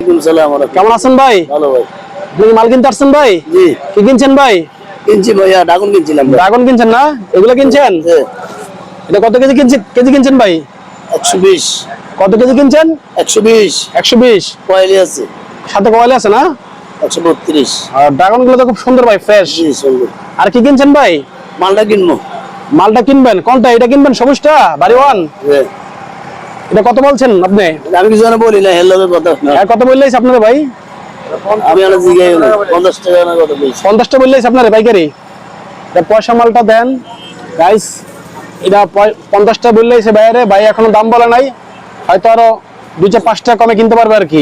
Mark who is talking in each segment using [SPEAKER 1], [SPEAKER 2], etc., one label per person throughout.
[SPEAKER 1] ওয়ালাইকুম সালাম।
[SPEAKER 2] কেমন আছেন ভাই?
[SPEAKER 1] ভালো ভাই।
[SPEAKER 2] আপনি মাল কিনতে আসছেন ভাই?
[SPEAKER 1] জি।
[SPEAKER 2] কি কিনছেন ভাই?
[SPEAKER 1] কিনছি ভাইয়া, ড্রাগন কিনছিলাম।
[SPEAKER 2] ড্রাগন কিনছেন না? এগুলো কিনছেন? এটা কত কেজি কিনছেন ভাই?
[SPEAKER 1] 120।
[SPEAKER 2] কত কেজি কিনছেন?
[SPEAKER 1] 120।
[SPEAKER 2] 120
[SPEAKER 1] কয়েলি আছে,
[SPEAKER 2] সাথে কোয়ালি আছে না?
[SPEAKER 1] 132।
[SPEAKER 2] আর ড্রাগন গুলো তো খুব সুন্দর ভাই, ফ্রেশ।
[SPEAKER 1] জি সুন্দর।
[SPEAKER 2] আর কি কিনছেন ভাই?
[SPEAKER 1] মালটা কিনবো।
[SPEAKER 2] মালটা কিনবেন? কোনটা? এটা কিনবেন, সবুজটা বাড়ি ওয়ান? এটা কত বলছেন আপনি?
[SPEAKER 1] আমি কিছু বলি না, হেলো কথা।
[SPEAKER 2] কত বললেই আপনারা ভাই?
[SPEAKER 1] আমি 50 টাকা না কত বলছি।
[SPEAKER 2] 50টা বললেই আপনারা পাইকারি? এটা পয়সা মালটা দেন গাইস। এটা 50টা বললেই বাইরে ভাই, এখনো দাম বলে নাই, হয়তো আরো 2-5 টাকা কমে কিনতে পারবে আর কি।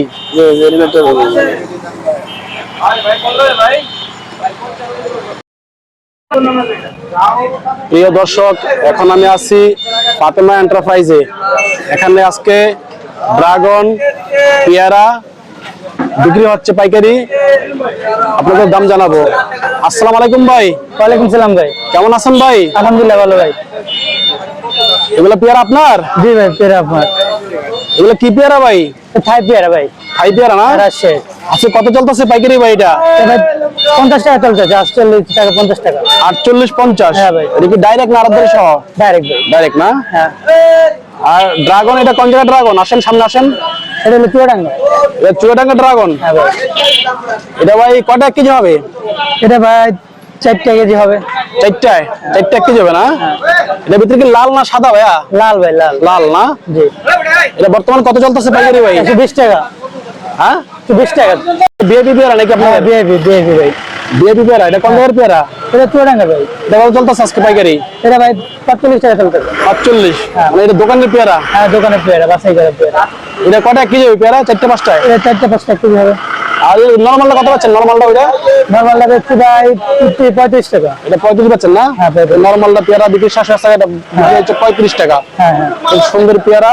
[SPEAKER 2] প্রিয় দর্শক, এখন আমি আছি ফাতেমা এন্টারপ্রাইজে। এখানে আজকে ড্রাগন, পেয়ারা বিক্রি হচ্ছে পাইকারি, আপনাদের দাম জানাবো। আসসালামু আলাইকুম ভাই।
[SPEAKER 3] ওয়ালাইকুম সালাম ভাই।
[SPEAKER 2] কেমন আছেন ভাই?
[SPEAKER 3] আলহামদুলিল্লাহ ভালো ভাই।
[SPEAKER 2] এগুলো পেয়ারা আপনার?
[SPEAKER 3] জি ভাই, পেয়ারা আপনার।
[SPEAKER 2] এগুলো কি পেয়ারা ভাই?
[SPEAKER 3] থাই পেয়ারা ভাই।
[SPEAKER 2] থাই পেয়ারা না?
[SPEAKER 3] রাজশাহী।
[SPEAKER 2] আচ্ছা, কত চলতেছে পাইকারি ভাই এটা?
[SPEAKER 3] ভাই 50 টাকা চলছে, 48 টাকা 50 টাকা।
[SPEAKER 2] 48-50?
[SPEAKER 3] হ্যাঁ ভাই।
[SPEAKER 2] এটা কি ডাইরেক্ট না আরবদারি সহ?
[SPEAKER 3] ডাইরেক্ট ভাই।
[SPEAKER 2] ডাইরেক্ট না?
[SPEAKER 3] হ্যাঁ।
[SPEAKER 2] আর ড্রাগন, এটা কোন জায়গার ড্রাগন? আসেন সামনে আসেন।
[SPEAKER 3] এটা হলো চুয়াডাঙ্গা।
[SPEAKER 2] এটা চুয়াডাঙ্গা ড্রাগন?
[SPEAKER 3] হ্যাঁ ভাই।
[SPEAKER 2] এটা ভাই কয়টা কেজি হবে?
[SPEAKER 3] এটা ভাই 4 কেজি হবে।
[SPEAKER 2] 4 কেজি হবে না? এটা ভিতরে কি লাল না সাদা ভাইয়া?
[SPEAKER 3] লাল ভাই, লাল।
[SPEAKER 2] লাল না?
[SPEAKER 3] জি।
[SPEAKER 2] এটা বর্তমান কত চলতেছে পাইকারি ভাই?
[SPEAKER 3] 120 টাকা।
[SPEAKER 2] হ্যাঁ,
[SPEAKER 3] 120 টাকা।
[SPEAKER 2] বিএপি পেয়ারা নাকি আপনার?
[SPEAKER 3] হ্যাঁ, বিএপি ভাই।
[SPEAKER 2] বিএপি পেয়ারা, এটা কোন জায়গার পেয়ারা?
[SPEAKER 3] এটা চুয়াডাঙ্গা ভাই।
[SPEAKER 2] এটা কত চলতেছে আজকে পাইকারি?
[SPEAKER 3] এটা ভাই 45 টাকা চলছে।
[SPEAKER 2] 45?
[SPEAKER 3] হ্যাঁ।
[SPEAKER 2] মানে এটা দোকানের পেয়ারা?
[SPEAKER 3] হ্যাঁ, দোকানের পেয়ারা, বাসাই করা পেয়ারা।
[SPEAKER 2] এটা কয়টা কেজি হবে পেয়ারা? 4-5টায়?
[SPEAKER 3] এটা 4-5 কেজি হবে।
[SPEAKER 2] আর নরমালটা কত পাচ্ছেন? নরমালটা ওইটা
[SPEAKER 3] নরমালটা বেচছি ভাই 35 টাকা।
[SPEAKER 2] এটা 35 পাচ্ছেন না?
[SPEAKER 3] হ্যাঁ,
[SPEAKER 2] নরমালটা পেয়ারা বিক্রি 700 টাকা, এটা হচ্ছে 35 টাকা।
[SPEAKER 3] হ্যাঁ হ্যাঁ।
[SPEAKER 2] খুব সুন্দর পেয়ারা।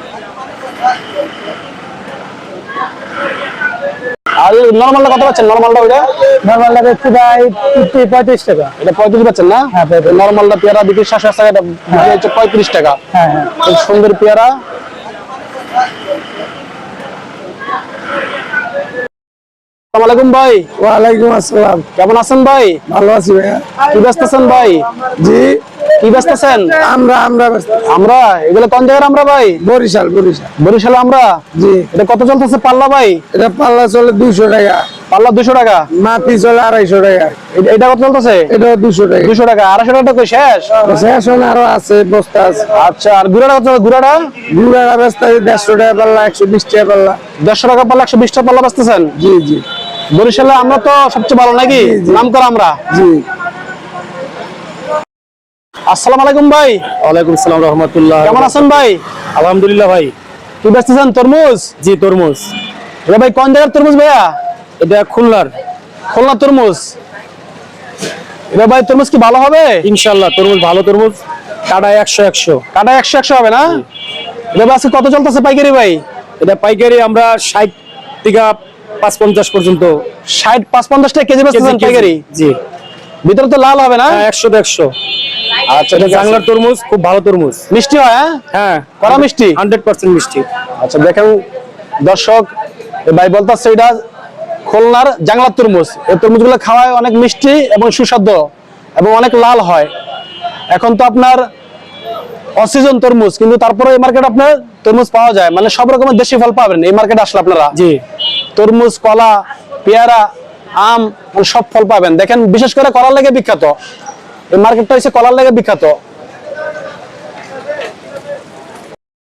[SPEAKER 2] আর নরমালটা কত পাচ্ছেন? নরমালটা ওইটা
[SPEAKER 3] নরমালটা বেচছি ভাই 35 টাকা।
[SPEAKER 2] এটা 35 পাচ্ছেন না?
[SPEAKER 3] হ্যাঁ,
[SPEAKER 2] নরমালটা পেয়ারা বিক্রি 700 টাকা, এটা হচ্ছে 35 টাকা।
[SPEAKER 3] হ্যাঁ হ্যাঁ।
[SPEAKER 2] খুব সুন্দর পেয়ারা। আসসালামু আলাইকুম ভাই।
[SPEAKER 1] ওয়ালাইকুম আসসালাম।
[SPEAKER 2] কেমন আছেন ভাই?
[SPEAKER 1] ভালো আছি ভাইয়া।
[SPEAKER 2] কি বেচতেছেন ভাই?
[SPEAKER 1] জি।
[SPEAKER 2] কি বেচতেছেন?
[SPEAKER 1] আমরা
[SPEAKER 2] আমরা এগুলো কোন জায়গার আমরা ভাই?
[SPEAKER 1] বরিশাল।
[SPEAKER 2] বরিশালে আমরা?
[SPEAKER 1] জি।
[SPEAKER 2] এটা কত চলতেছে পাল্লা ভাই?
[SPEAKER 1] এটা পাল্লা চলে 200 টাকা।
[SPEAKER 2] পাল্লা 200 টাকা?
[SPEAKER 1] মাটি চলে 250 টাকা।
[SPEAKER 2] এটা কত চলতেছে?
[SPEAKER 1] এটা 200 টাকা।
[SPEAKER 2] 200 টাকা। 250 টাকা কই শেষ?
[SPEAKER 1] এখন আরো আছে, বস্তা আছে।
[SPEAKER 2] আচ্ছা, আর গুড়াটা কত? গুড়াটা
[SPEAKER 1] বেচতে 150 টাকা পাল্লা, 120 টাকা পাল্লা।
[SPEAKER 2] 150 টাকা পাল্লা, 120 টাকা পাল্লা বেচতেছেন?
[SPEAKER 1] জি জি।
[SPEAKER 2] বরিশালে আমরা তো সবচেয়ে ভালো নাকি? নাম করা আমরা।
[SPEAKER 1] জি।
[SPEAKER 2] আসসালামু আলাইকুম ভাই।
[SPEAKER 1] ওয়ালাইকুম সালাম রাহমাতুল্লাহ।
[SPEAKER 2] কেমন আছেন ভাই?
[SPEAKER 1] আলহামদুলিল্লাহ ভাই।
[SPEAKER 2] কি বেচতেছেন? তরমুজ?
[SPEAKER 1] জি, তরমুজ।
[SPEAKER 2] এটা ভাই কোন জায়গার তরমুজ ভাইয়া?
[SPEAKER 1] এটা খুলনার
[SPEAKER 2] তরমুজ। এটা ভাই তরমুজ কি ভালো হবে?
[SPEAKER 1] ইনশাআল্লাহ তরমুজ ভালো তরমুজ। কাটা 100
[SPEAKER 2] কাটা 100 হবে না? এটা ভাই আজকে কত চলতেছে পাইকারি ভাই?
[SPEAKER 1] এটা পাইকারি আমরা 60 থেকে 550 পর্যন্ত।
[SPEAKER 2] 60-50 টাকা কেজি বেচতেছেন পাইকারি?
[SPEAKER 1] জি।
[SPEAKER 2] ভিতরে তো লাল হবে না?
[SPEAKER 1] 100-100। আচ্ছা, এটা বাংলার তরমুজ, খুব ভালো তরমুজ।
[SPEAKER 2] মিষ্টি হয়?
[SPEAKER 1] হ্যাঁ,
[SPEAKER 2] কড়া মিষ্টি?
[SPEAKER 1] 100% মিষ্টি।
[SPEAKER 2] আচ্ছা, দেখেন দর্শক, ভাই বলতেছে এটা খুলনার জাংলার তরমুজ। এই তরমুজগুলো খাওয়ায় অনেক মিষ্টি এবং সুস্বাদু এবং অনেক লাল হয়। এখন তো আপনার অসিজন তরমুজ, কিন্তু তারপরে এই মার্কেট আপনার তরমুজ পাওয়া যায়, মানে সব রকমের দেশি ফল পাবেন এই মার্কেটে আসলে আপনারা।
[SPEAKER 1] জি।
[SPEAKER 2] তরমুজ, কলা, পেয়ারা, আম, মানে সব ফল পাবেন। দেখেন, বিশেষ করে কলার লেগে বিখ্যাত এই মার্কেটটা, হচ্ছে কলার লেগে বিখ্যাত।